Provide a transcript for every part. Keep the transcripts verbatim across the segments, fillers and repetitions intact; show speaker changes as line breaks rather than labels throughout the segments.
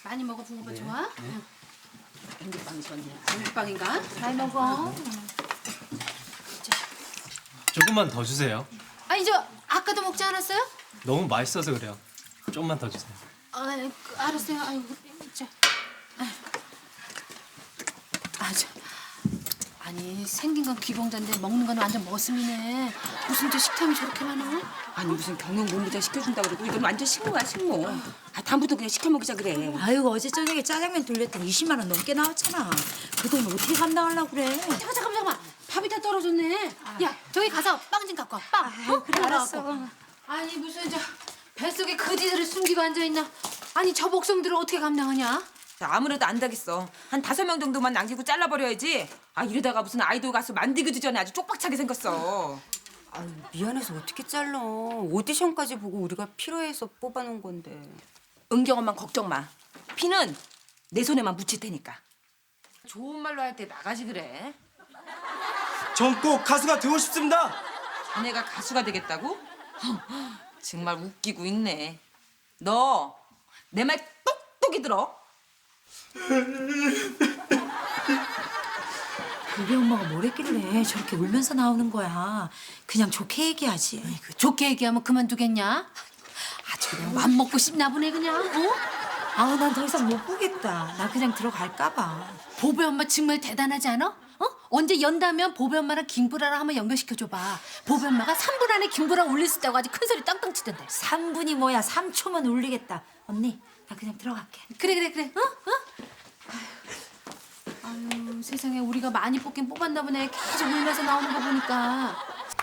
많이 먹어 붕어빵
네.
좋아?
네.
앵두빵이 좋네. 앵두빵인가? 잘 먹어.
조금만 더 주세요.
아니 저 아까도 먹지 않았어요?
너무 맛있어서 그래요. 조금만 더 주세요.
아, 그, 알았어요. 아유, 자. 아, 저. 아니 생긴 건 귀공자인데 먹는 건 완전 머슴이네. 무슨 저 식탐이 저렇게 많아?
아니 무슨 경영 본부장 시켜준다고 그러고 이건 완전 식모야 식모. 아 다음부터 그냥 시켜 먹자 그래.
아이고 어제 저녁에 짜장면 돌렸더니 이십만 원 넘게 나왔잖아. 그 돈 어떻게 감당하려고 그래?
잠깐 잠깐 잠깐만. 밥이 다 떨어졌네. 야 저기 가서 빵 좀 갖고 와. 빵. 어?
그래, 알았어.
갖고. 아니 무슨 저 뱃속에 거지들을 숨기고 앉아 있나? 아니 저 목숨들을 어떻게 감당하냐?
자, 아무래도 안 되겠어. 한 다섯 명 정도만 남기고 잘라버려야지. 아 이러다가 무슨 아이돌 가수 만들기도 전에 아주 쪽박차게 생겼어.
아유, 미안해서 어떻게 잘라. 오디션까지 보고 우리가 필요해서 뽑아놓은 건데.
은경 엄만 걱정 마. 피는 내 손에만 묻힐 테니까. 좋은 말로 할 때 나가지 그래.
전 꼭 가수가 되고 싶습니다.
자네가 가수가 되겠다고? 정말 웃기고 있네. 너 내 말 똑똑히 들어.
우리 엄마가 뭘 했길래 저렇게 울면서 나오는 거야. 그냥 좋게 얘기하지.
그 좋게 얘기하면 그만두겠냐? 아주 그냥 맘 먹고 싶나 보네 그냥. 어?
아우 난 더 이상 못 보겠다. 나 그냥 들어갈까 봐.
보배 엄마 정말 대단하지 않아? 어? 언제 연다면 보배 엄마랑 김구라랑 한번 연결시켜줘봐. 보배 엄마가 삼 분 안에 김구라 올릴 수 있다고 아주 큰 소리 땅땅 치던데.
삼 분이 뭐야. 삼 초만 울리겠다. 언니 나 그냥 들어갈게.
그래 그래 그래. 어? 어? 아유, 아유 세상에 우리가 많이 뽑긴 뽑았나 보네. 계속 울면서 나오는 거 보니까.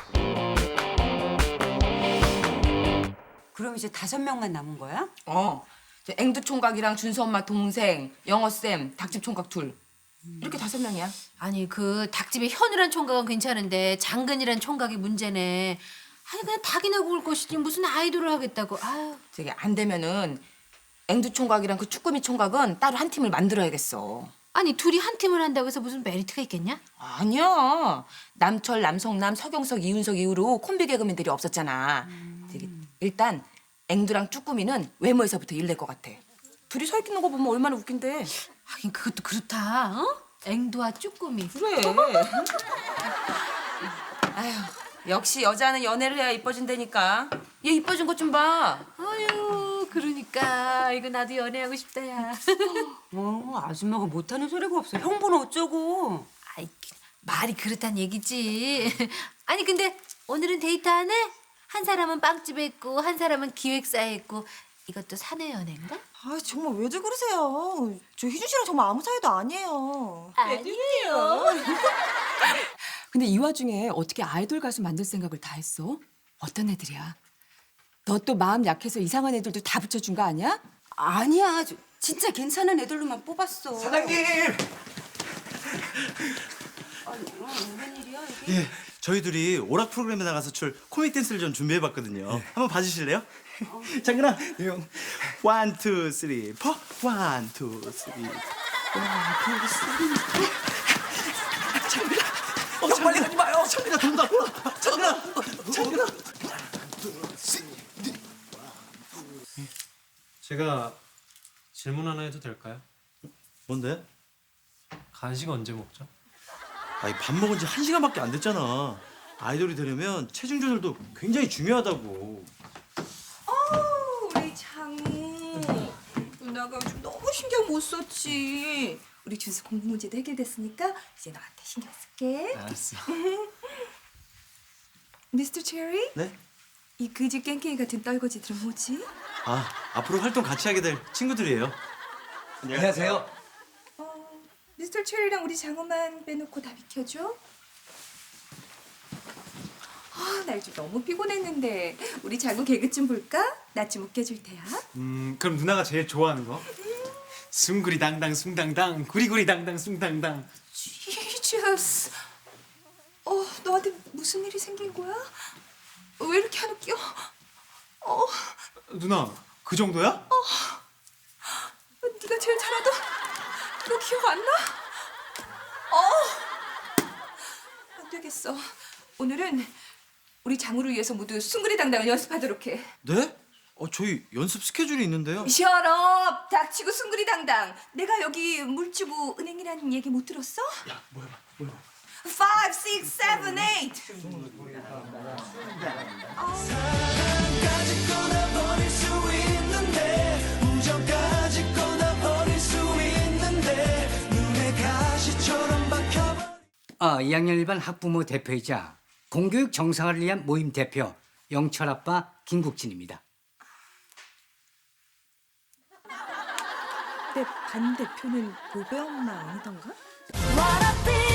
그럼 이제 다섯 명만 남은 거야?
어. 저 앵두 총각이랑 준수 엄마 동생, 영어 쌤, 닭집 총각 둘. 이렇게 다섯 명이야.
아니 그 닭집에 현우란 총각은 괜찮은데 장근이란 총각이 문제네. 아니 그냥 닭이나 구울 것이지 무슨 아이돌을 하겠다고. 아유.
저기 안 되면은 앵두 총각이랑 그 쭈꾸미 총각은 따로 한 팀을 만들어야겠어.
아니 둘이 한 팀을 한다고 해서 무슨 메리트가 있겠냐?
아니야. 남철, 남성남, 서경석, 이윤석 이후로 콤비 개그맨들이 없었잖아. 저기 일단 앵두랑 쭈꾸미는 외모에서부터 일낼 것 같아. 둘이 서 있는 거 보면 얼마나 웃긴데.
하긴 그것도 그렇다. 어? 앵두와 쭈꾸미.
그래. 아휴, 역시 여자는 연애를 해야 이뻐진다니까. 얘 이뻐진 것 좀 봐.
아유 그러니까 이거 나도 연애하고 싶다 야.
어, 아줌마가 못하는 소리가 없어. 형부는 어쩌고.
아이 말이 그렇단 얘기지. 아니 근데 오늘은 데이트 안 해? 한 사람은 빵집에 있고 한 사람은 기획사에 있고 이것도 사내 연애인가?
아 정말 왜들 그러세요? 저 희준 씨랑 정말 아무 사이도 아니에요.
아니에요.
근데 이 와중에 어떻게 아이돌 가수 만들 생각을 다 했어? 어떤 애들이야? 너 또 마음 약해서 이상한 애들도 다 붙여준 거 아니야?
아니야. 저, 진짜 괜찮은 애들로만 뽑았어.
사장님.
아니, 어, 무슨 일이야 이게?
예, 저희 둘이 오락 프로그램에 나가서 출 코믹 댄스를 좀 준비해봤거든요. 한번 봐주실래요? 장근아, 형. 원, 투, 쓰리, 포. 원, 투, 쓰리. 어, 빨리 가지 마요. 장근아 돈다. 장근아, 장근아.
제가 질문 하나 해도 될까요?
뭔데?
간식 언제 먹죠?
아니 밥 먹은 지 한 시간밖에 안 됐잖아. 아이돌이 되려면 체중 조절도 굉장히 중요하다고.
우리 장우. 누나가 요즘 너무 신경 못 썼지. 우리 준수 공부 문제도 해결됐으니까 이제 너한테 신경 쓸게.
알았어.
미스터 체리?
네?
이 그지 깽깽이 같은 떨거지들은 뭐지?
아 앞으로 활동 같이 하게 될 친구들이에요.
안녕하세요.
어, 미스터 체리랑 우리 장우만 빼놓고 다 비켜줘. 아, 나 요즘 너무 피곤했는데 우리 장우 개그 좀 볼까? 나 좀 웃겨줄 테야.
음 그럼 누나가 제일 좋아하는 거? 숭구리 당당 숭당당 구리구리 당당 숭당당.
지저스. 어, 너한테 무슨 일이 생긴 거야? 왜 이렇게 안 웃겨? 어,
누나 그 정도야?
네가 제일 잘하던 너 기억 안 나? 어, 안 되겠어. 오늘은 우리 장우를 위해서 모두 숭구리당당을 연습하도록 해.
네? 어, 저희 연습 스케줄이 있는데요.
셔럽 닥치고 숭구리당당. 내가 여기 물주고 은행이라는 얘기 못 들었어?
야 뭐야 뭐야.
five, six, seven, eight.
아, 이 학년 일 반 학부모 대표이자 공교육 정상화를 위한 모임 대표 영철 아빠 김국진입니다.
내 반대표는 보배 엄마 아니던가?
What I feel